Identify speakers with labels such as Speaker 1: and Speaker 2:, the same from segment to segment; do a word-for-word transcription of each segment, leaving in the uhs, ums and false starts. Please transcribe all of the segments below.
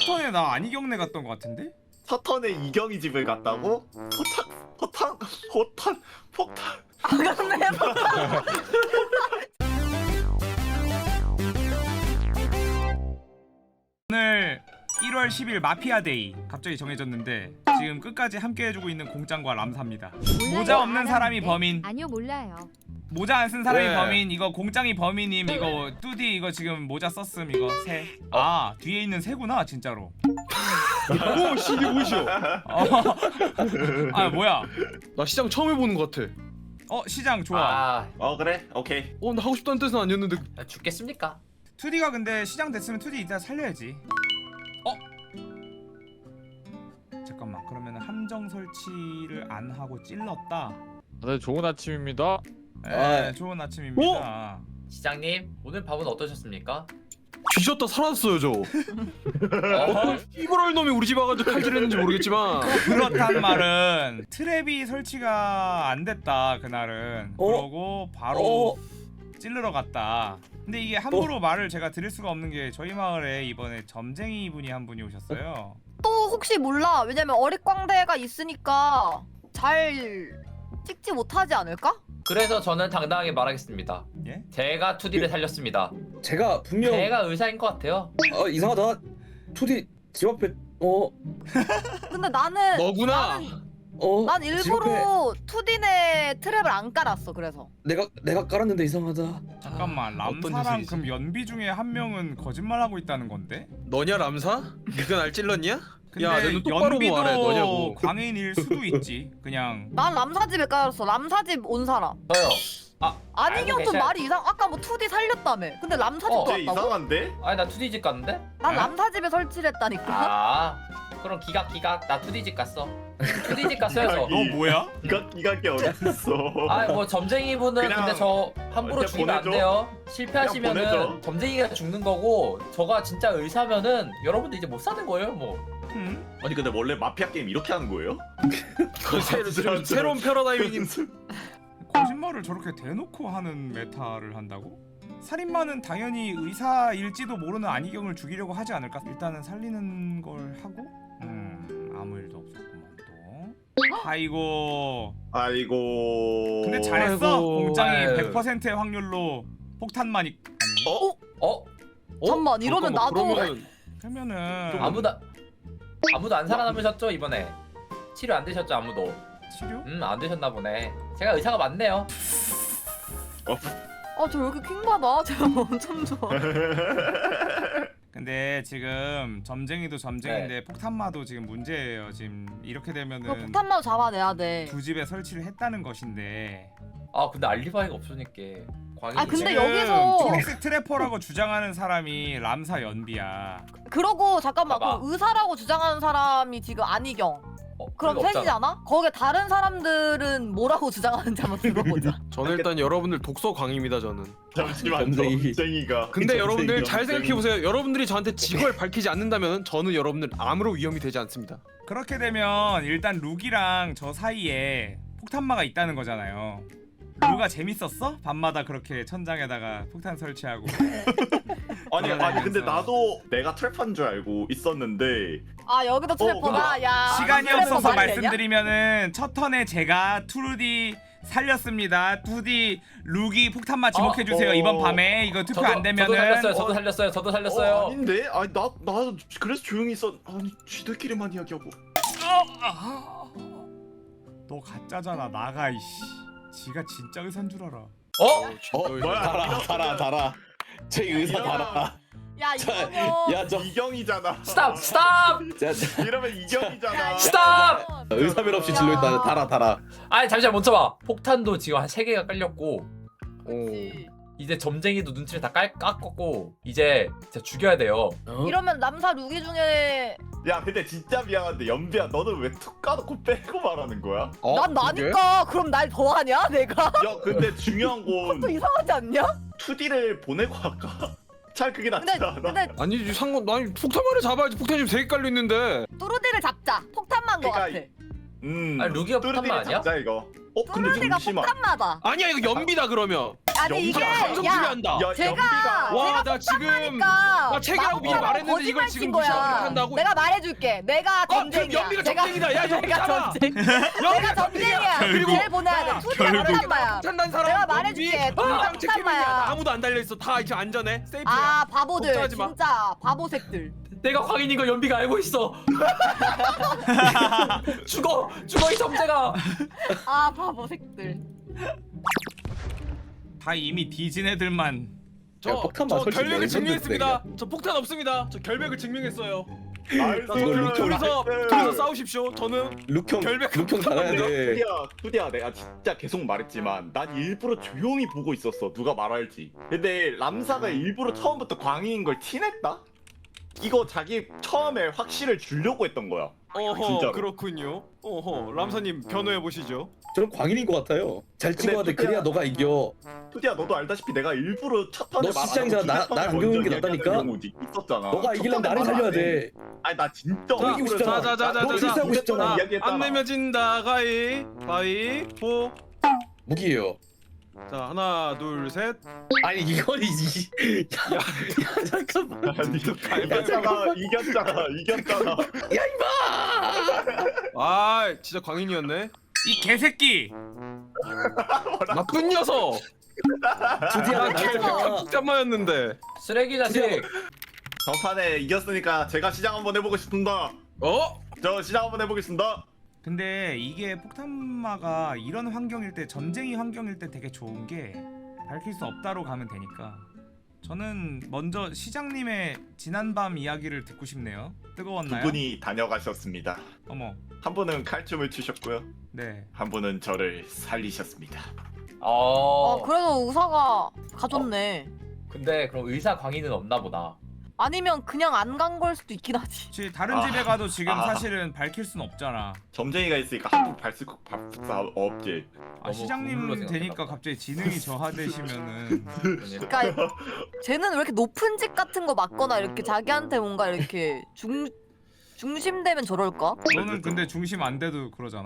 Speaker 1: 턴에 나 안희경네 갔던 것 같은데?
Speaker 2: 첫 턴에 이경이 집을 갔다고? 포탄 포탄 포탄 폭탄.
Speaker 3: 아 그렇네.
Speaker 1: 오늘 일월 십일 마피아데이 갑자기 정해졌는데 지금 끝까지 함께 해주고 있는 공짱과 람사입니다. 모자 없는 사람이 범인.
Speaker 4: 아니요 몰라요.
Speaker 1: 모자 안 쓴 사람이
Speaker 5: 네.
Speaker 1: 범인. 이거 공짱이 범인님. 이거 뚜디 이거 지금 모자 썼음. 이거 새. 아 뒤에 있는 새구나 진짜로.
Speaker 5: 오 씨 이게 뭐시여?
Speaker 1: 어. 아 뭐야?
Speaker 5: 나 시장 처음 해보는 것 같아.
Speaker 1: 어 시장 좋아.
Speaker 6: 아,
Speaker 2: 어 그래 오케이.
Speaker 5: 어 나 하고 싶다는 뜻은 아니었는데.
Speaker 6: 죽겠습니까?
Speaker 1: 투디가 근데 시장 됐으면 투디 이따 살려야지. 어? 잠깐만 그러면 함정 설치를 안 하고 찔렀다.
Speaker 7: 네, 좋은 아침입니다.
Speaker 1: 네,
Speaker 5: 아.
Speaker 1: 좋은 아침입니다.
Speaker 6: 시장님 오늘 밥은 어떠셨습니까?
Speaker 5: 뒤졌다 살았어요 저.
Speaker 6: 어허,
Speaker 5: 이걸 놈이 우리 집 와가지고 칼질했는지 모르겠지만.
Speaker 1: 그렇단 말은 트랩이 설치가 안 됐다 그날은.
Speaker 5: 어?
Speaker 1: 그러고 바로 찔르러 갔다. 근데 이게 함부로 말을 제가 드릴 수가 없는 게 저희 마을에 이번에 점쟁이 분이 한 분이 오셨어요.
Speaker 3: 또 혹시 몰라. 왜냐면 어릿광대가 있으니까 잘 찍지 못하지 않을까?
Speaker 6: 그래서 저는 당당하게 말하겠습니다.
Speaker 1: 예?
Speaker 6: 제가 투디를 살렸습니다.
Speaker 8: 제가 분명
Speaker 6: 제가 의사인 것 같아요.
Speaker 8: 어 이상하다. 투디 집 앞에 어
Speaker 3: 근데 나는
Speaker 5: 너구나.
Speaker 3: 나는,
Speaker 8: 어.
Speaker 3: 난
Speaker 8: 집 앞에
Speaker 3: 일부러 투디네 트랩을 안 깔았어. 그래서
Speaker 8: 내가 내가 깔았는데 이상하다.
Speaker 1: 잠깐만
Speaker 5: 아, 어떤
Speaker 1: 람사랑
Speaker 5: 녀석이지?
Speaker 1: 그럼 연비 중에 한 명은 거짓말하고 있다는 건데?
Speaker 5: 너냐 람사? 네가 날 찔렀냐?
Speaker 1: 근데
Speaker 5: 야, 내눈 똑바로
Speaker 1: 연비도
Speaker 5: 말해, 너냐고.
Speaker 1: 광인일 수도 있지. 그냥
Speaker 3: 난 람사집에 깔았어. 람사집 온 사람.
Speaker 6: 저요.
Speaker 3: 안희경
Speaker 6: 알고
Speaker 3: 좀
Speaker 6: 계셔-
Speaker 3: 말이 이상. 아까 뭐 투디 살렸다며. 근데 람사집도
Speaker 6: 어,
Speaker 2: 쟤
Speaker 3: 왔다고?
Speaker 2: 이상한데?
Speaker 6: 아니 나 투디 집 갔는데?
Speaker 3: 난
Speaker 1: 에?
Speaker 3: 람사집에 설치를 했다니까.
Speaker 6: 아, 그럼 기각 기각. 나 투디 집 갔어. 투디 집 갔어요 저.
Speaker 2: 기각이.
Speaker 1: 너 뭐야?
Speaker 2: 이각 이각이 어딨어?
Speaker 6: 아, 뭐 점쟁이 분은
Speaker 2: 그냥
Speaker 6: 근데 저 함부로
Speaker 2: 그냥
Speaker 6: 죽이면 안
Speaker 2: 보내줘.
Speaker 6: 돼요.
Speaker 2: 그냥
Speaker 6: 실패하시면은
Speaker 2: 보내줘.
Speaker 6: 점쟁이가 죽는 거고, 저가 진짜 의사면은 여러분들 이제 못 사는 거예요, 뭐.
Speaker 1: 음?
Speaker 2: 아니 근데 원래 마피아 게임 이렇게 하는 거예요?
Speaker 5: 그 새, 새, 새로운 패러다임이.
Speaker 1: 거짓말을 저렇게 대놓고 하는 메타를 한다고? 살인마는 당연히 의사일지도 모르는 안희경을 죽이려고 하지 않을까? 일단은 살리는 걸 하고 음 아무 일도 없었구만 또. 아이고
Speaker 2: 아이고.
Speaker 1: 근데 잘했어.
Speaker 5: 아이고.
Speaker 1: 공장이
Speaker 5: 아유.
Speaker 1: 백 퍼센트의 확률로 폭탄만 있... 아니
Speaker 2: 어?
Speaker 6: 어?
Speaker 3: 잠깐만, 이러면
Speaker 5: 잠깐만,
Speaker 3: 나도-
Speaker 5: 그러면은
Speaker 1: 그러면은
Speaker 6: 아무도 아무도 안 살아남으셨죠 이번에? 치료 안 되셨죠 아무도?
Speaker 1: 치료?
Speaker 6: 음, 안 되셨나 보네. 제가 의사가 맞네요.
Speaker 3: 아, 저 왜 이렇게 킹받아? 제가 엄청 좋아.
Speaker 1: 근데 지금 점쟁이도 점쟁인데 폭탄마도 지금 문제예요. 지금 이렇게
Speaker 3: 그
Speaker 1: 되면은
Speaker 3: 폭탄만 잡아내야 돼.
Speaker 1: 두 집에 설치를 했다는 것인데
Speaker 6: 아, 근데 알리바이가 없으니까. 광희.
Speaker 3: 아, 근데
Speaker 1: 지금
Speaker 3: 여기서-
Speaker 1: 초록색 트래퍼라고 주장하는 사람이 람사 연비야.
Speaker 3: 그러고 잠깐만,
Speaker 6: 봐봐.
Speaker 3: 그럼 의사라고 주장하는 사람이 지금 안희경.
Speaker 6: 어,
Speaker 3: 그럼
Speaker 6: 그게 없잖아.
Speaker 3: 셋이잖아? 거기에 다른 사람들은 뭐라고 주장하는지 한번 들어보자.
Speaker 5: 저는 일단 여러분들 독서 광입니다 저는.
Speaker 2: 잠시만
Speaker 8: 점쟁이.
Speaker 2: 점쟁이가.
Speaker 5: 근데
Speaker 8: 점쟁이,
Speaker 5: 여러분들 잘
Speaker 8: 점쟁이.
Speaker 5: 생각해 보세요. 여러분들이 저한테 직업을 밝히지 않는다면 저는 여러분들 아무런 위험이 되지 않습니다.
Speaker 1: 그렇게 되면 일단 룩이랑 저 사이에 폭탄마가 있다는 거잖아요. 룩아 재밌었어? 밤마다 그렇게 천장에다가 폭탄 설치하고.
Speaker 2: 아니 아니 근데
Speaker 1: 돌아다니면서.
Speaker 2: 나도 내가 트랩한 줄 알고 있었는데.
Speaker 3: 아, 여기도 트래퍼가?
Speaker 2: 근데
Speaker 3: 야.
Speaker 1: 시간이
Speaker 3: 트래퍼
Speaker 1: 없어서
Speaker 3: 말이 되냐?
Speaker 1: 말씀드리면은 첫 턴에 제가 투디 살렸습니다. 투디 룩이 폭탄마 지목해주세요.
Speaker 2: 어,
Speaker 1: 이번
Speaker 2: 어.
Speaker 1: 밤에 이거 투표
Speaker 6: 저도,
Speaker 1: 안
Speaker 6: 저도
Speaker 1: 되면은
Speaker 6: 살렸어요. 저도 살렸어요. 저도 살렸어요.
Speaker 2: 어, 아닌데? 아니 나 나 그래서 조용히 있었. 아니 쥐들끼리만 이야기하고.
Speaker 1: 너 가짜잖아. 나가 이씨. 지가 진짜 의사인 줄 알아.
Speaker 6: 어?
Speaker 8: 어
Speaker 2: 뭐야?
Speaker 8: 달아 달아 달아. 제 의사 달아.
Speaker 3: 야, 이거면.
Speaker 8: 야저
Speaker 2: 이경이잖아.
Speaker 6: 스탑! 스탑!
Speaker 2: 이러면 이경이잖아.
Speaker 6: 스탑!
Speaker 8: 의사별 없이 진로 있다. 달아 달아.
Speaker 6: 아니 잠시만 멈춰봐. 폭탄도 지금 한 세 개가 깔렸고,
Speaker 3: 그치.
Speaker 6: 이제 점쟁이도 눈치를 다 깔, 깎았고, 이제 진짜 죽여야 돼요.
Speaker 5: 어?
Speaker 3: 이러면 남사 루기 중에
Speaker 2: 야 근데 진짜 미안한데 연비야 너는 왜 툭 까놓고 빼고 말하는 거야?
Speaker 5: 어?
Speaker 3: 난 나니까. 그럼 날 더하냐 내가?
Speaker 2: 야 근데 중요한 건
Speaker 3: 또 이상하지 않냐?
Speaker 2: 투디를 보내고 할까? 잘 그게 낫지
Speaker 3: 근데
Speaker 2: 않아?
Speaker 3: 근데
Speaker 5: 아니 상관 아니 폭탄만을 잡아야지. 폭탄이 지금 세 개 깔려 있는데.
Speaker 3: 뚜루디를 잡자. 폭탄만 거
Speaker 2: 그러니까
Speaker 3: 같아.
Speaker 2: 음
Speaker 6: 아니, 루기가
Speaker 2: 뚜루디를
Speaker 6: 폭탄만 아니야?
Speaker 2: 잡자 이거. 어 근데
Speaker 3: 뚜루디가
Speaker 2: 잠시만
Speaker 3: 폭탄마다.
Speaker 5: 아니야 이거 연비다 그러면.
Speaker 3: 아니 이게
Speaker 5: 방송
Speaker 3: 야
Speaker 5: 준비한다.
Speaker 2: 야,
Speaker 3: 제가
Speaker 2: 연비가
Speaker 5: 와,
Speaker 3: 제가
Speaker 5: 나 지금
Speaker 3: 그러니까
Speaker 5: 나 책이라고 미리
Speaker 3: 막
Speaker 5: 말했는데 이걸
Speaker 3: 거짓말
Speaker 5: 지금
Speaker 3: 친
Speaker 5: 무시하고
Speaker 3: 거야.
Speaker 5: 한다고?
Speaker 3: 내가 말해줄게. 내가
Speaker 5: 그럼
Speaker 3: 전쟁이야.
Speaker 5: 연비가
Speaker 3: 내가
Speaker 5: 전쟁이다. 야, 연비
Speaker 3: 내가
Speaker 5: 잡아.
Speaker 3: 전쟁. 내가 전쟁이야.
Speaker 5: 그리고
Speaker 3: 제일 보내야 돼. 투지야 폭탄마야.
Speaker 5: 폭탄난 사람
Speaker 3: 내가 말해줄게.
Speaker 5: 아,
Speaker 3: 투지야 폭탄마야.
Speaker 5: 아무도 안 달려 있어. 다 이제 안전해. 세이프야.
Speaker 3: 아 바보들
Speaker 5: 걱정하지 마.
Speaker 3: 진짜 바보색들.
Speaker 6: 내가 광인인 거 연비가 알고 있어. 죽어 죽어 이 점재가.
Speaker 3: 아 바보색들.
Speaker 1: 다 이미 뒤진 애들만.
Speaker 5: 저,
Speaker 8: 야, 폭탄
Speaker 5: 저
Speaker 8: 맞을 수
Speaker 5: 결백을
Speaker 8: 있네.
Speaker 5: 증명했습니다. 저 폭탄 없습니다. 저 결백을 증명했어요.
Speaker 2: 나이스.
Speaker 8: 이거 루트
Speaker 5: 둘이서
Speaker 2: 나이스.
Speaker 5: 둘이서 싸우십시오. 저는
Speaker 8: 룩형
Speaker 5: 결백
Speaker 8: 룩형 달아야 돼.
Speaker 2: 투디야, 투디야, 내가 진짜 계속 말했지만 난 일부러 조용히 보고 있었어. 누가 말할지. 근데 람사가 일부러 처음부터 광희인 걸 티냈다. 이거 자기 처음에 확실을 주려고 했던 거야.
Speaker 5: 어허
Speaker 2: 진짜로.
Speaker 5: 그렇군요. 어허 람사님 변호해 보시죠.
Speaker 8: 저는 광인인 것 같아요. 잘 찍어야 돼.
Speaker 2: 근데
Speaker 8: 그래야 너가 이겨.
Speaker 2: 투디야, 너도 알다시피 내가 일부러 첫 턴에
Speaker 8: 너 시장이잖아. 나- 나랑 안 겪는 게 낫다니까?
Speaker 2: 있었잖아.
Speaker 8: 너가 이기려면 나를 살려야 돼.
Speaker 2: 아니 나 진짜
Speaker 5: 자,
Speaker 8: 이기고 싶잖아.
Speaker 5: 자, 자, 자,
Speaker 8: 너
Speaker 5: 자,
Speaker 8: 실수하고
Speaker 5: 자.
Speaker 8: 싶잖아.
Speaker 2: 이야기했잖아.
Speaker 5: 안 내면 진다. 가위 바위 보.
Speaker 8: 무기예요.
Speaker 5: 자 하나 둘 셋.
Speaker 8: 아니 이건 이지. 야, 야 잠깐만.
Speaker 2: 아니, 이겼잖아, 이겼잖아, 이겼잖아.
Speaker 8: 야 이봐.
Speaker 5: 아 진짜 광인이었네.
Speaker 1: 이 개새끼.
Speaker 5: 나쁜 녀석.
Speaker 8: 드디어
Speaker 5: 나
Speaker 8: 나를
Speaker 5: 결백한 폭탄마였는데.
Speaker 6: 쓰레기 자식.
Speaker 2: 전판에 이겼으니까 제가 시장 한번 해보고 싶습니다.
Speaker 5: 어?
Speaker 2: 저 시장 한번 해보겠습니다.
Speaker 1: 근데 이게 폭탄마가 이런 환경일 때 전쟁이 환경일 때 되게 좋은 게 밝힐 수 없다로 가면 되니까 저는 먼저 시장님의 지난밤 이야기를 듣고 싶네요.
Speaker 2: 두
Speaker 1: 뜨거웠나요?
Speaker 2: 분이 다녀가셨습니다.
Speaker 1: 어머
Speaker 2: 한 분은 칼춤을 추셨고요.
Speaker 1: 네
Speaker 2: 한 분은 저를 살리셨습니다.
Speaker 6: 어.
Speaker 3: 어 그래도 의사가 가졌네.
Speaker 6: 근데 그럼 의사 광인은 없나 보다.
Speaker 3: 아니면 그냥 안 간 걸 수도 있긴 하지.
Speaker 1: 혹시 다른
Speaker 2: 아,
Speaker 1: 집에 가도 지금
Speaker 2: 아.
Speaker 1: 사실은 밝힐 순 없잖아.
Speaker 2: 점쟁이가 있으니까 한국 발수 발사 없지.
Speaker 1: 아
Speaker 6: 너무
Speaker 1: 시장님
Speaker 6: 국룰로
Speaker 1: 되니까
Speaker 6: 생각했나
Speaker 1: 갑자기 지능이 저하되시면은
Speaker 3: 그러니까 쟤는 왜 이렇게 높은 집 같은 거 맞거나 이렇게 자기한테 뭔가 이렇게 중 중심되면 저럴까?
Speaker 1: 너는 근데 중심 안 돼도 그러잖아.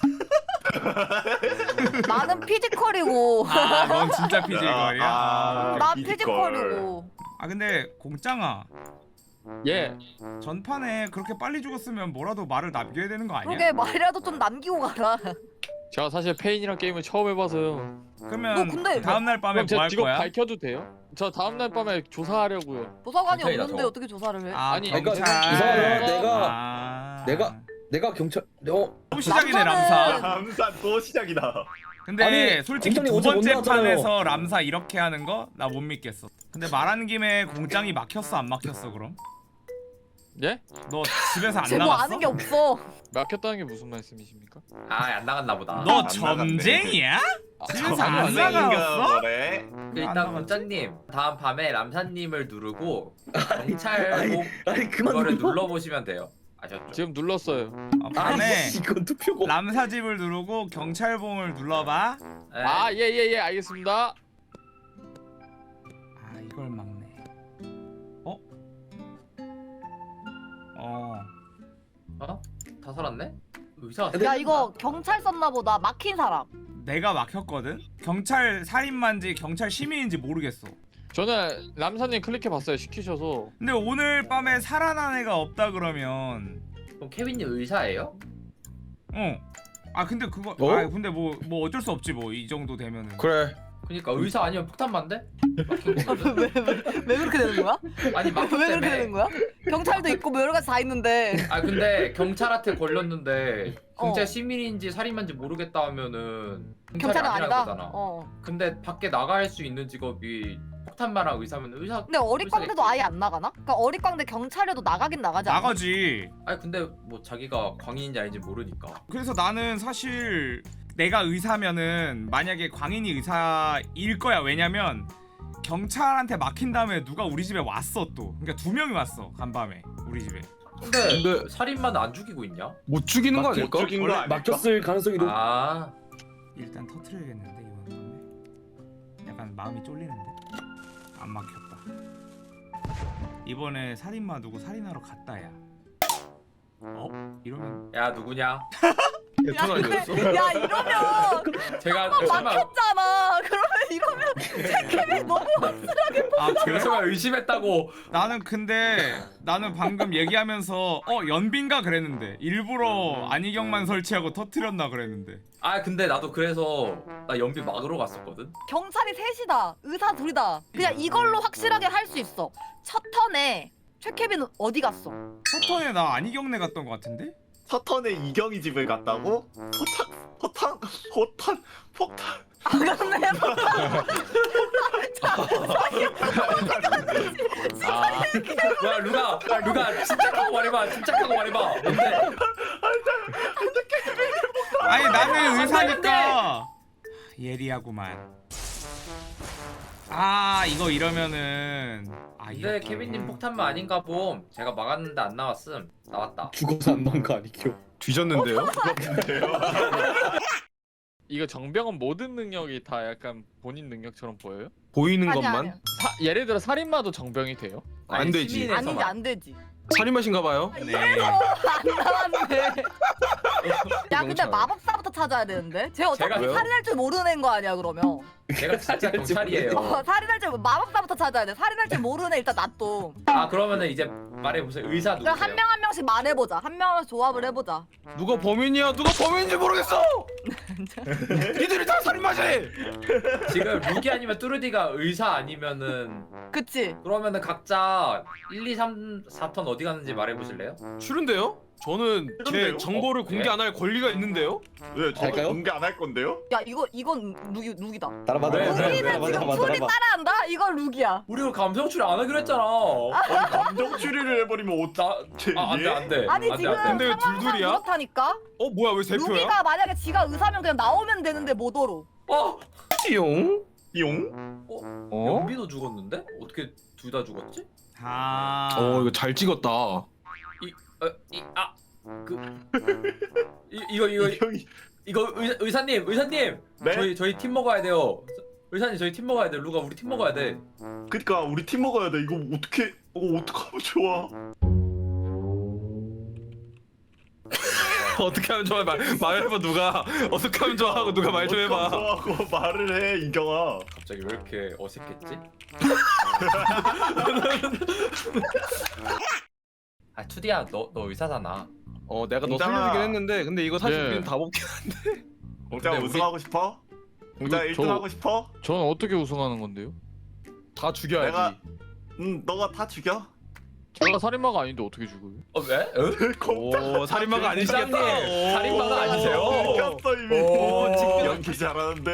Speaker 3: 나는 피지컬이고
Speaker 1: 아, 넌 진짜 피지컬이야.
Speaker 2: 아,
Speaker 1: 아,
Speaker 3: 나
Speaker 2: 피지컬.
Speaker 3: 피지컬이고.
Speaker 1: 아 근데 공짱아
Speaker 7: 예.
Speaker 1: 전판에 그렇게 빨리 죽었으면 뭐라도 말을 남겨야 되는 거 아니야?
Speaker 3: 그러게 말이라도 좀 남기고 가라.
Speaker 7: 제가 사실 페인이랑 게임을 처음 해봐서요.
Speaker 1: 그러면
Speaker 3: 너 근데
Speaker 1: 다음 날 밤에
Speaker 7: 그럼
Speaker 1: 뭐
Speaker 7: 제
Speaker 1: 할
Speaker 7: 직업
Speaker 1: 거야?
Speaker 7: 밝혀도 돼요? 저 다음 날 밤에 조사하려고요.
Speaker 3: 도서관이
Speaker 6: 경찰이다,
Speaker 3: 없는데
Speaker 6: 저거.
Speaker 3: 어떻게 조사를 해?
Speaker 1: 아,
Speaker 7: 아니,
Speaker 8: 그러니까
Speaker 1: 경찰.
Speaker 8: 이상하다. 내가
Speaker 1: 아.
Speaker 8: 내가 내가 경찰. 어
Speaker 1: 또 시작이네
Speaker 3: 남자는-
Speaker 1: 람사.
Speaker 2: 감사 또 시작이다.
Speaker 1: 근데
Speaker 8: 아니,
Speaker 1: 솔직히
Speaker 8: 공장이
Speaker 1: 두
Speaker 8: 어제 못
Speaker 1: 번째
Speaker 8: 나왔잖아요.
Speaker 1: 판에서 람사 이렇게 하는 거 나 못 믿겠어. 근데 말하는 김에 공장이 막혔어 안 막혔어 그럼?
Speaker 7: 예?
Speaker 1: 너 집에서 안
Speaker 3: 쟤뭐
Speaker 1: 나갔어?
Speaker 3: 아는 게 없어.
Speaker 7: 막혔다는 게 무슨 말씀이십니까?
Speaker 6: 아안 나갔나 보다.
Speaker 1: 너
Speaker 2: 안
Speaker 1: 점쟁이야?
Speaker 7: 아,
Speaker 1: 집에서
Speaker 7: 아니,
Speaker 1: 안
Speaker 7: 아니,
Speaker 1: 나갔어?
Speaker 2: 그래?
Speaker 6: 그
Speaker 1: 안
Speaker 6: 일단
Speaker 1: 나갔지?
Speaker 6: 공짜님 다음 밤에 람사님을 누르고 경찰
Speaker 8: 아니
Speaker 6: 복
Speaker 8: 아니 그만
Speaker 6: 그거를
Speaker 8: 눌러.
Speaker 6: 눌러 보시면 돼요. 아셨죠?
Speaker 7: 지금 눌렀어요.
Speaker 1: 어, 밤에
Speaker 8: 아니 이건 투표고.
Speaker 1: 람사집을 누르고 경찰봉을 눌러봐.
Speaker 6: 네.
Speaker 7: 아, 예, 예, 예, 알겠습니다.
Speaker 1: 아 이걸 막네. 어? 어.
Speaker 6: 어? 다 살았네? 의사가
Speaker 3: 야 이거 경찰 썼나 보다. 막힌 사람.
Speaker 1: 내가 막혔거든? 경찰 살인마인지 경찰 시민인지 모르겠어.
Speaker 7: 저는 람사님 클릭해봤어요. 시키셔서.
Speaker 1: 근데 오늘 밤에 살아난 애가 없다 그러면
Speaker 6: 그럼 케빈님 의사예요?
Speaker 1: 어. 아 근데 그거
Speaker 8: 어?
Speaker 1: 아 근데 뭐 뭐 어쩔 수 없지 뭐 이 정도 되면은.
Speaker 5: 그래.
Speaker 6: 그니까 의사 아니면 폭탄만데? 막힌 거거든.
Speaker 3: 왜, 왜, 왜 그렇게 되는 거야?
Speaker 6: 아니
Speaker 3: 왜
Speaker 6: 막혔
Speaker 3: 그렇게
Speaker 6: 때문에.
Speaker 3: 되는 거야? 경찰도 있고 뭐 여러 가지 다 있는데.
Speaker 6: 아 근데 경찰한테 걸렸는데 경찰
Speaker 3: 어.
Speaker 6: 시민인지 살인마인지 모르겠다 하면은
Speaker 3: 경찰은
Speaker 6: 아니라는
Speaker 3: 아니다.
Speaker 6: 거잖아.
Speaker 3: 어.
Speaker 6: 근데 밖에 나갈 수 있는 직업이 폭탄마랑 의사면 의사.
Speaker 3: 근데 어릿광대도 아예 안 나가나? 그러니까 어릿광대 경찰에도 나가긴 나가지 않아?
Speaker 1: 나가지.
Speaker 6: 아니 근데 뭐 자기가 광인인지 아닌지 모르니까.
Speaker 1: 그래서 나는 사실 내가 의사면은 만약에 광인이 의사일 거야. 왜냐면 경찰한테 막힌 다음에 누가 우리 집에 왔어 또. 그러니까 두 명이 왔어 간밤에 우리 집에.
Speaker 6: 근데,
Speaker 5: 근데-
Speaker 6: 살인마는 안 죽이고 있냐?
Speaker 5: 못 죽이는 거
Speaker 2: 못
Speaker 5: 아닐까?
Speaker 2: 죽인 거
Speaker 8: 원래
Speaker 2: 아닐까?
Speaker 8: 막혔을 가능성이 높.
Speaker 6: 아
Speaker 1: 일단 터트려야겠는데 이번 밤에. 약간 마음이 쫄리는데. 안 막혔다. 이번에 살인마 누구 살인하러 갔다 야. 어? 이러면
Speaker 6: 야 누구냐?
Speaker 5: 대톤 아니었어?
Speaker 3: 야 이러면
Speaker 6: 제가
Speaker 3: 막
Speaker 6: 설마
Speaker 3: 막혔잖아. 그러면 이러면 책임이 너무
Speaker 1: 아
Speaker 6: 제가
Speaker 1: 그래?
Speaker 6: 설마 의심했다고.
Speaker 1: 나는 근데 나는 방금 얘기하면서 어 연빈가 그랬는데 일부러 안희경만 설치하고 터트렸나 그랬는데.
Speaker 6: 아 근데 나도 그래서 나 연비 막으러 갔었거든.
Speaker 3: 경찰이 셋이다. 의사 둘이다. 그냥 이걸로 확실하게 할 수 있어. 첫 턴에 최케빈은 어디 갔어?
Speaker 1: 서턴에 나 안희경네 갔던 것 같은데?
Speaker 2: 서턴에 이경이 집을 갔다고? 포탄 포탄 포탄 폭탄
Speaker 3: 아 갔네.
Speaker 7: 아
Speaker 6: 뭐야 루가 루가 침착하고 말해봐. 침착하고 말해봐. 뭔데?
Speaker 1: 아니 나는 의사니까 예리하구만. 아 이거 이러면은 아
Speaker 6: 근데
Speaker 1: 이렇게.
Speaker 6: 케빈님 폭탄만 아닌가 봄. 제가 막았는데 안 나왔음. 나왔다.
Speaker 8: 죽어서 안 나온 거 아니겨?
Speaker 5: 뒤졌는데요?
Speaker 7: 이거 정병은 모든 능력이 다 약간 본인 능력처럼 보여요?
Speaker 5: 보이는
Speaker 3: 아니,
Speaker 5: 것만?
Speaker 3: 아니.
Speaker 7: 사, 예를 들어 살인마도 정병이 돼요?
Speaker 5: 안
Speaker 6: 아니,
Speaker 5: 되지.
Speaker 6: 시민에서만.
Speaker 3: 아니지 안 되지.
Speaker 5: 살인마신가 봐요?
Speaker 1: 네.
Speaker 3: 안 나왔네. 야 근데
Speaker 5: 경찰.
Speaker 3: 마법사부터 찾아야 되는데? 쟤 어차피
Speaker 6: 제가 왜요?
Speaker 3: 살인할 줄 모르는 애인 거 아니야 그러면?
Speaker 6: 제가 진짜 경찰이에요.
Speaker 3: 어, 살인할 줄 마법사부터 찾아야 돼. 살인할 줄 모르는 애 일단 놔둬.
Speaker 6: 아 그러면은 이제 말해보세요. 의사
Speaker 3: 그럼
Speaker 6: 누구세요?
Speaker 3: 한 명 한 명씩 말해보자. 한 명씩 조합을 해보자.
Speaker 5: 누가 범인이야? 누가 범인인지 모르겠어! 니들이 다 살인마지!
Speaker 6: 지금 루기 아니면 뚜르디가 의사 아니면은
Speaker 3: 그치?
Speaker 6: 그러면은 각자 일, 이, 삼, 사 턴 어디 갔는지 말해보실래요?
Speaker 5: 싫은데요? 저는 제
Speaker 2: 싫은데요?
Speaker 5: 정보를
Speaker 6: 어?
Speaker 5: 공개 안 할 권리가 있는데요?
Speaker 2: 왜 저도
Speaker 8: 갈까요?
Speaker 2: 공개 안 할 건데요?
Speaker 3: 야 이거 이건 룩이 룩이다.
Speaker 8: 따라봐
Speaker 6: 왜,
Speaker 8: 따라봐
Speaker 6: 왜,
Speaker 8: 따라봐
Speaker 6: 왜,
Speaker 8: 따라봐
Speaker 3: 지금 둘이
Speaker 8: 따라봐.
Speaker 3: 따라한다? 이건 룩이야.
Speaker 6: 우리 감성 추리 안 하기로 했잖아.
Speaker 2: 아니 감정 추리를 해버리면 어쩌?
Speaker 6: 나, 아, 안 돼, 안 돼.
Speaker 3: 아니
Speaker 6: 안 돼,
Speaker 3: 지금
Speaker 6: 안 돼.
Speaker 5: 근데 왜
Speaker 3: 상황상
Speaker 5: 둘둘이야?
Speaker 3: 그렇다니까?
Speaker 5: 어 뭐야 왜 세 표야?
Speaker 3: 룩이가 만약에 지가 의사면 그냥 나오면 되는데 못 오로.
Speaker 6: 어?
Speaker 5: 띠용?
Speaker 2: 용?
Speaker 7: 어?
Speaker 6: 연비도 죽었는데? 어떻게 둘 다 죽었지?
Speaker 1: 아.
Speaker 5: 어 이거 잘 찍었다.
Speaker 6: 어, 이, 아, 그, 이, 이거 이거
Speaker 2: 이경이
Speaker 6: 이거 의사, 의사님, 의사님,
Speaker 2: 네?
Speaker 6: 저희 저희 팀 먹어야 돼요. 의사님 저희 팀 먹어야 돼. 루가 우리 팀 먹어야 돼.
Speaker 2: 그니까 우리 팀 먹어야 돼. 이거 어떻게 이거 어떡하면 좋아?
Speaker 5: 어떻게 하면 좋아? 말, 말해봐 누가 어떻게 하면 좋아 하고 누가 말 좀 해봐.
Speaker 2: 어떡하면 좋아하고 말을 해 이경아.
Speaker 6: 갑자기 왜 이렇게 어색했지? 아 투디야, 너 너 의사잖아.
Speaker 5: 어 내가 너
Speaker 2: 공장아.
Speaker 5: 살려주긴 했는데 근데 이거 사실
Speaker 7: 예.
Speaker 5: 우리는 다 먹긴
Speaker 2: 공장
Speaker 6: 근데
Speaker 2: 우승하고 싶어? 공장
Speaker 7: 이거
Speaker 2: 일
Speaker 7: 저-
Speaker 2: 등 하고 싶어?
Speaker 7: 저는 어떻게 우승하는 건데요?
Speaker 5: 다 죽여야지.
Speaker 2: 내가 응 너가 다 죽여.
Speaker 7: 제가 살인마가 아닌데 어떻게 죽어요?
Speaker 6: 어 왜? 응?
Speaker 2: 공장
Speaker 5: 오 살인마가 아니시겠다.
Speaker 6: 공장님,
Speaker 5: 오.
Speaker 6: 살인마가 아니세요?
Speaker 2: 이겼어 이미.
Speaker 6: 오, 지금-
Speaker 2: 연기 잘하는데.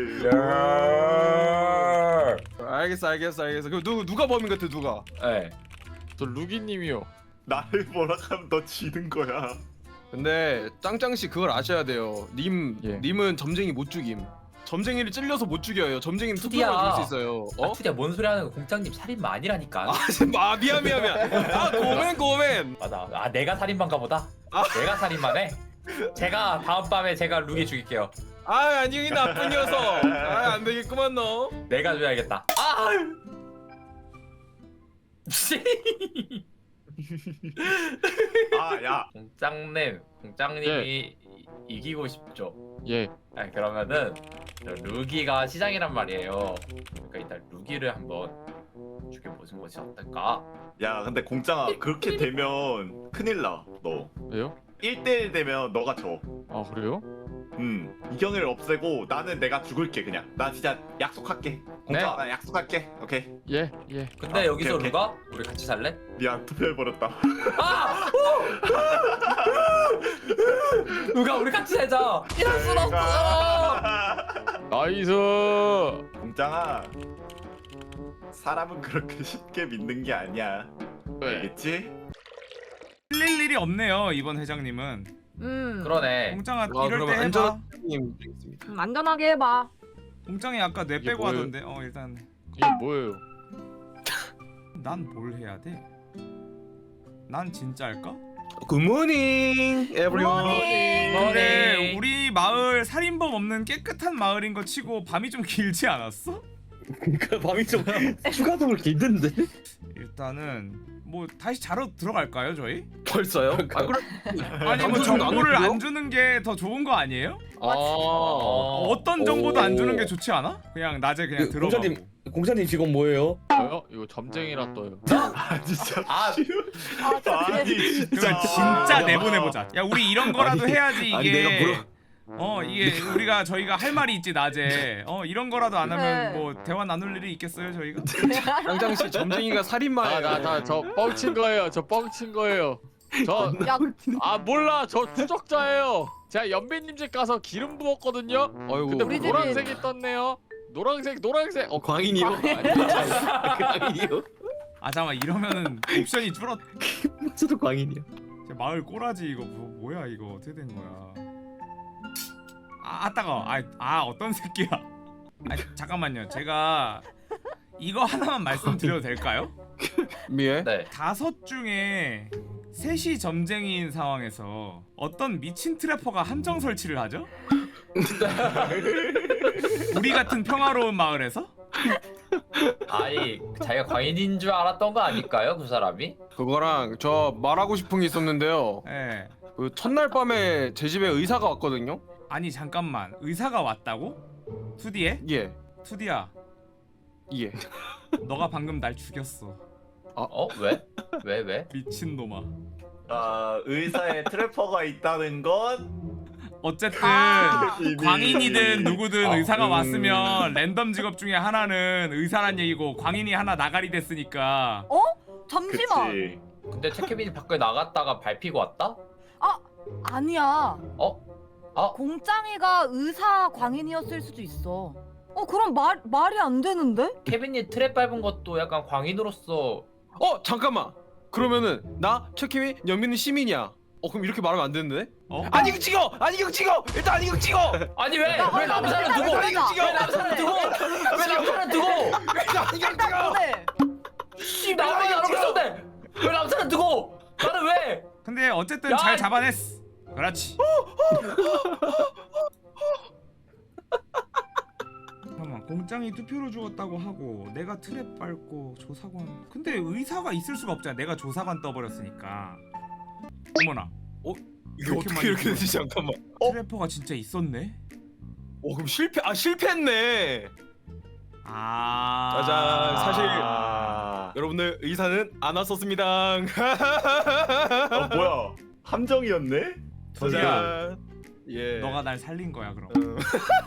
Speaker 5: 알겠어 알겠어 알겠어. 그럼 누 누가 범인 같아 누가?
Speaker 6: 네.
Speaker 7: 저 루기님이요.
Speaker 2: 나를 뭐라 하면 너 지는 거야.
Speaker 5: 근데 짱짱 씨 그걸 아셔야 돼요. 님
Speaker 7: 예.
Speaker 5: 님은 점쟁이 못 죽임. 점쟁이를 찔려서 못 죽여요. 점쟁이는
Speaker 6: 투디야.
Speaker 5: 투표로 죽일 수 있어요.
Speaker 6: 아
Speaker 5: 어?
Speaker 6: 투디야 뭔 소리 하는 거? 공장님 살인마 아니라니까.
Speaker 5: 아, 아 미안 미안 미안. 아 고멘 고멘.
Speaker 6: 맞아. 아 내가 살인마인가 보다.
Speaker 5: 아.
Speaker 6: 내가 살인마네. 제가 다음 밤에 제가 루기 죽일게요.
Speaker 5: 아 안녕히 나쁜 녀석. 아 안 되겠구만 너.
Speaker 6: 내가 줘야겠다. 아!
Speaker 2: 아 야.
Speaker 6: 공장님, 공장님이 이- 이기고 싶죠.
Speaker 7: 예.
Speaker 6: 아 그러면은 저 루기가 시장이란 말이에요. 그러니까 일단 루기를 한번 죽여보는 것이 어떨까?
Speaker 2: 야 근데 공장아 그렇게 되면 큰일 나. 너
Speaker 7: 왜요?
Speaker 2: 일 대일 되면 너가 져.
Speaker 7: 아 그래요?
Speaker 2: 음 이경을 없애고 나는 내가 죽을게 그냥. 나 진짜 약속할게. 공장아 나 약속할게. 오케이.
Speaker 7: 예. 예.
Speaker 6: 근데
Speaker 2: 아,
Speaker 6: 여기서
Speaker 2: 오케이, 오케이.
Speaker 6: 루가 우리 같이 살래?
Speaker 2: 미안 투표해버렸다.
Speaker 6: 아! 루가 우리 같이 살자.
Speaker 3: 이럴 순 없어.
Speaker 7: 나이스.
Speaker 2: 공장아 사람은 그렇게 쉽게 믿는 게 아니야.
Speaker 7: 네.
Speaker 2: 알겠지?
Speaker 1: 틀릴 일이 없네요 이번 회장님은.
Speaker 3: 음.
Speaker 6: 그러네.
Speaker 1: 공장아
Speaker 5: 아,
Speaker 1: 이럴
Speaker 5: 그러면
Speaker 1: 때 해봐.
Speaker 5: 안전하님 드리겠습니다.
Speaker 3: 음, 안전하게 해봐.
Speaker 1: 공장이 아까 뇌
Speaker 7: 이게
Speaker 1: 빼고
Speaker 7: 뭐예요?
Speaker 1: 하던데. 어 일단
Speaker 7: 이게 뭐예요?
Speaker 1: 난 뭘 해야 돼? 난 진짜 할까?
Speaker 5: 굿모닝 에브리원.
Speaker 3: 굿모닝.
Speaker 1: 근데
Speaker 6: 머니.
Speaker 1: 우리 마을 살인범 없는 깨끗한 마을인 거 치고 밤이 좀 길지 않았어?
Speaker 8: 그러니까 밤이 좀 추가적으로 길던데.
Speaker 1: 일단은 뭐 다시 자러 들어갈까요 저희?
Speaker 5: 벌써요? 아, 그럼
Speaker 1: 아니 뭐
Speaker 5: 방송 중에
Speaker 1: 정보를
Speaker 5: 안
Speaker 1: 안 주는 게 더 좋은 거 아니에요?
Speaker 5: 아,
Speaker 6: 어.
Speaker 1: 어떤 정보도 안 주는
Speaker 8: 오.
Speaker 1: 게 좋지 않아? 그냥 낮에 그냥
Speaker 8: 그,
Speaker 1: 들어가고.
Speaker 8: 공사님 공사님 직업 뭐예요?
Speaker 7: 저요? 이거 점쟁이라 떠요.
Speaker 2: 아 진짜.
Speaker 6: 아,
Speaker 3: 아 진짜
Speaker 2: 아니 진짜.
Speaker 1: 그러면 진짜 내보내보자. 야 우리 이런 거라도
Speaker 8: 아니,
Speaker 1: 해야지 이게.
Speaker 8: 아니, 내가 물어-
Speaker 1: 어 이게 우리가 저희가 할 말이 있지 낮에. 어 이런 거라도 안 하면
Speaker 3: 네.
Speaker 1: 뭐 대화 나눌 일이 있겠어요 저희가?
Speaker 5: 양장씨 점쟁이가 살인마예요.
Speaker 7: 아나나저 뻥친 거예요. 저 뻥친 거예요. 저
Speaker 3: 야
Speaker 7: 아 몰라 저 추적자예요. 제가 연비님 집 가서 기름 부었거든요.
Speaker 5: 어이구.
Speaker 7: 근데
Speaker 3: 우리 집이-
Speaker 7: 노란색이 떴네요. 노란색 노란색. 어
Speaker 5: 광인이요? 광인이요?
Speaker 1: 아 잠깐 이러면은 옵션이 줄었.
Speaker 8: 저도 광인이요.
Speaker 1: 제 마을 꼬라지 이거 뭐, 뭐야 이거 어떻게 된 거야? 아, 아 따가. 아, 아 어떤 새끼야? 아 잠깐만요. 제가 이거 하나만 말씀드려도 될까요?
Speaker 5: 미에?
Speaker 6: 네.
Speaker 1: 다섯 중에 셋이 점쟁이인 상황에서 어떤 미친 트래퍼가 함정 설치를 하죠? 우리 같은 평화로운 마을에서?
Speaker 6: 아니 자기가 광인인 줄 알았던 거 아닐까요, 그 사람이?
Speaker 5: 그거랑 저 말하고 싶은 게 있었는데요.
Speaker 1: 예.
Speaker 5: 그 첫날 밤에 제 집에 의사가 왔거든요.
Speaker 1: 아니 잠깐만 의사가 왔다고? 투디에?
Speaker 5: 예,
Speaker 1: 투디야
Speaker 5: 예.
Speaker 1: 너가 방금 날 죽였어
Speaker 6: 어? 왜? 왜 왜?
Speaker 1: 미친놈아.
Speaker 2: 아 의사에 트래퍼가 있다는 건
Speaker 1: 어쨌든
Speaker 3: 아.
Speaker 2: 이미-
Speaker 1: 광인이든 누구든
Speaker 2: 아,
Speaker 1: 의사가
Speaker 5: 음.
Speaker 1: 왔으면 랜덤 직업 중에 하나는 의사란 얘기고 광인이 하나 나가리 됐으니까
Speaker 3: 어? 잠시만.
Speaker 2: 그치.
Speaker 6: 근데 태케빈이 밖에 나갔다가 밟히고 왔다?
Speaker 3: 아니야.
Speaker 6: 어? 아,
Speaker 3: 공짱이가 의사 광인이었을 수도 있어. 어 그럼 말 말이 안 되는데?
Speaker 6: 케빈이 트랩 밟은 것도 약간 광인으로서
Speaker 5: 어 잠깐만. 그러면은 나 최키미 연민은 시민이야. 어 그럼 이렇게 말하면 안 되는데?
Speaker 1: 어?
Speaker 5: 안경 찍어! 안경 찍어! 일단 안경 찍어!
Speaker 6: 아니 왜?
Speaker 3: 야,
Speaker 6: 왜
Speaker 3: 얼른
Speaker 6: 남산을
Speaker 3: 얼른
Speaker 6: 두고?
Speaker 3: 얼른
Speaker 6: 왜
Speaker 3: 얼른
Speaker 6: 남산을 두고? 왜 남산을 두고?
Speaker 5: 일단 안경 찍어!
Speaker 3: 그래.
Speaker 6: 씨 나만 안 하고 있었는데 왜 남산을 두고? 나는 왜?
Speaker 1: 근데 어쨌든
Speaker 6: 야,
Speaker 1: 잘
Speaker 6: 이-
Speaker 1: 잡아냈어. 그렇지. 잠깐만 공장이 투표로 죽었다고 하고 내가 트랩 밟고 조사관. 근데 의사가 있을 수가 없잖아. 내가 조사관 떠버렸으니까. 어머나.
Speaker 5: 이게
Speaker 1: 이렇게
Speaker 5: 어떻게
Speaker 1: 많이
Speaker 5: 이렇게 되지?
Speaker 1: 죽었어.
Speaker 5: 잠깐만.
Speaker 1: 트래퍼가 진짜 있었네.
Speaker 5: 어 그럼 실패 아 실패했네.
Speaker 1: 아.
Speaker 5: 짜잔, 사실-
Speaker 2: 아,
Speaker 5: 여러분들 의사는 안 왔었습니다.
Speaker 2: 어, 뭐야 함정이었네?
Speaker 1: 저기야.
Speaker 5: 짜잔. 예.
Speaker 1: 너가 날 살린 거야 그럼.
Speaker 5: 어.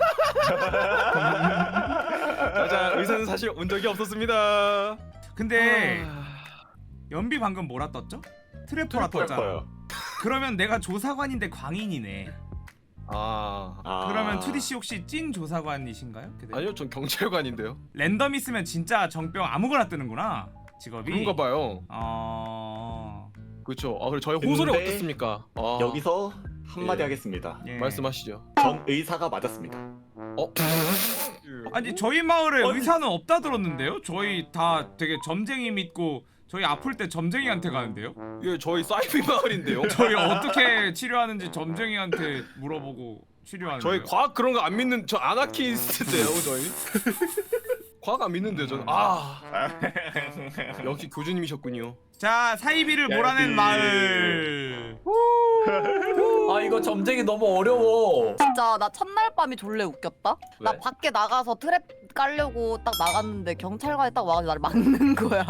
Speaker 5: 짜잔 의사는 사실 온 적이 없었습니다.
Speaker 1: 근데
Speaker 5: 아...
Speaker 1: 연비 방금 뭐라 떴죠? 트래퍼라 떴잖아.
Speaker 2: 트래퍼요.
Speaker 1: 그러면 내가 조사관인데 광인이네.
Speaker 5: 아
Speaker 2: 아.
Speaker 1: 그러면 투디 씨 혹시 찐 조사관이신가요? 그대?
Speaker 5: 아니요 전 경찰관인데요.
Speaker 1: 랜덤 있으면 진짜 정병 아무거나 뜨는구나 직업이.
Speaker 5: 그런가 봐요.
Speaker 1: 어.
Speaker 5: 그렇죠. 아 그래 저희 호소를
Speaker 2: 근데
Speaker 5: 어떻습니까? 아,
Speaker 2: 여기서 한마디
Speaker 5: 예.
Speaker 2: 하겠습니다.
Speaker 1: 예.
Speaker 5: 말씀하시죠.
Speaker 2: 전 의사가 맞았습니다.
Speaker 5: 어?
Speaker 1: 아니 저희 마을에
Speaker 2: 아니.
Speaker 1: 의사는 없다 들었는데요? 저희 다 되게 점쟁이 믿고 저희 아플 때 점쟁이한테 가는데요?
Speaker 5: 예 저희 사이비 마을인데요.
Speaker 1: 저희 어떻게 치료하는지 점쟁이한테 물어보고 치료하는데요.
Speaker 5: 저희 과학 그런 거 안 믿는 저 아나키스트예요 저희. 과학 안 믿는데요 저는. 아 역시 교주님이셨군요.
Speaker 1: 자 사이비를
Speaker 2: 야,
Speaker 1: 몰아낸
Speaker 2: 이-
Speaker 1: 마을.
Speaker 6: 아 이거 점쟁이 너무 어려워.
Speaker 3: 진짜 나 첫날 밤이 졸래 웃겼다. 나
Speaker 6: 왜?
Speaker 3: 밖에 나가서 트랩 깔려고 딱 나갔는데 경찰관이 딱 와가지고 나를 막는 거야.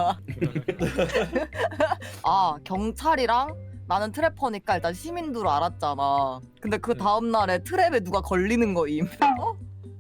Speaker 3: 아 경찰이랑 나는 트래퍼니까 일단 시민도로 알았잖아. 근데 그 다음 날에 트랩에 누가 걸리는 거임. 어?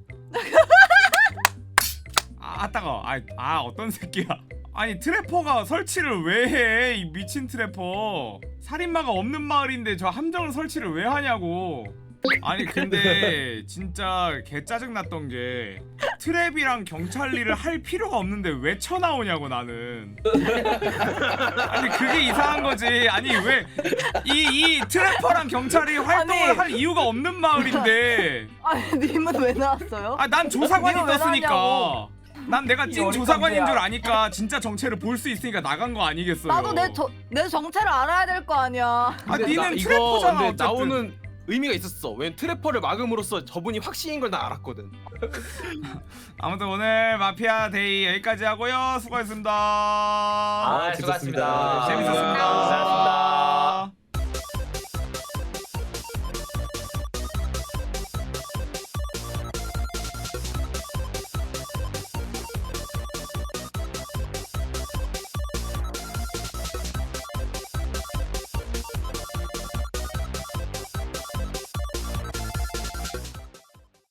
Speaker 1: 아 따가. 아, 아 어떤 새끼야. 아니 트래퍼가 설치를 왜 해? 이 미친 트래퍼. 살인마가 없는 마을인데 저 함정을 설치를 왜 하냐고. 아니 근데 진짜 개 짜증 났던 게 트랩이랑 경찰 일을 할 필요가 없는데 왜 쳐나오냐고 나는. 아니 그게 이상한 거지. 아니 왜 이 이 트래퍼랑 경찰이 활동을
Speaker 3: 아니.
Speaker 1: 할 이유가 없는 마을인데.
Speaker 3: 아니 님은 왜 나왔어요?
Speaker 1: 아 난 조사관이
Speaker 3: 니가 왜
Speaker 1: 떴으니까.
Speaker 3: 나왔냐고.
Speaker 1: 난 내가
Speaker 6: 이
Speaker 1: 찐
Speaker 6: 어린
Speaker 1: 조사관인
Speaker 6: 깜짝이야.
Speaker 1: 줄 아니까 진짜 정체를 볼 수 있으니까 나간 거 아니겠어요?
Speaker 3: 나도 내, 저, 내 정체를 알아야 될 거 아니야.
Speaker 1: 아
Speaker 5: 근데
Speaker 1: 니는
Speaker 5: 나- 이거
Speaker 1: 트래퍼잖아
Speaker 5: 근데
Speaker 1: 어쨌든.
Speaker 5: 나오는 의미가 있었어. 왜냐면 트래퍼를 막음으로써 저분이 확신인 걸 난 알았거든.
Speaker 1: 아무튼 오늘 마피아 데이 여기까지 하고요. 수고하셨습니다.
Speaker 6: 아,
Speaker 8: 아,
Speaker 6: 수고하셨습니다.
Speaker 8: 재밌었습니다.
Speaker 1: 재밌었습니다.
Speaker 6: 고생하셨습니다.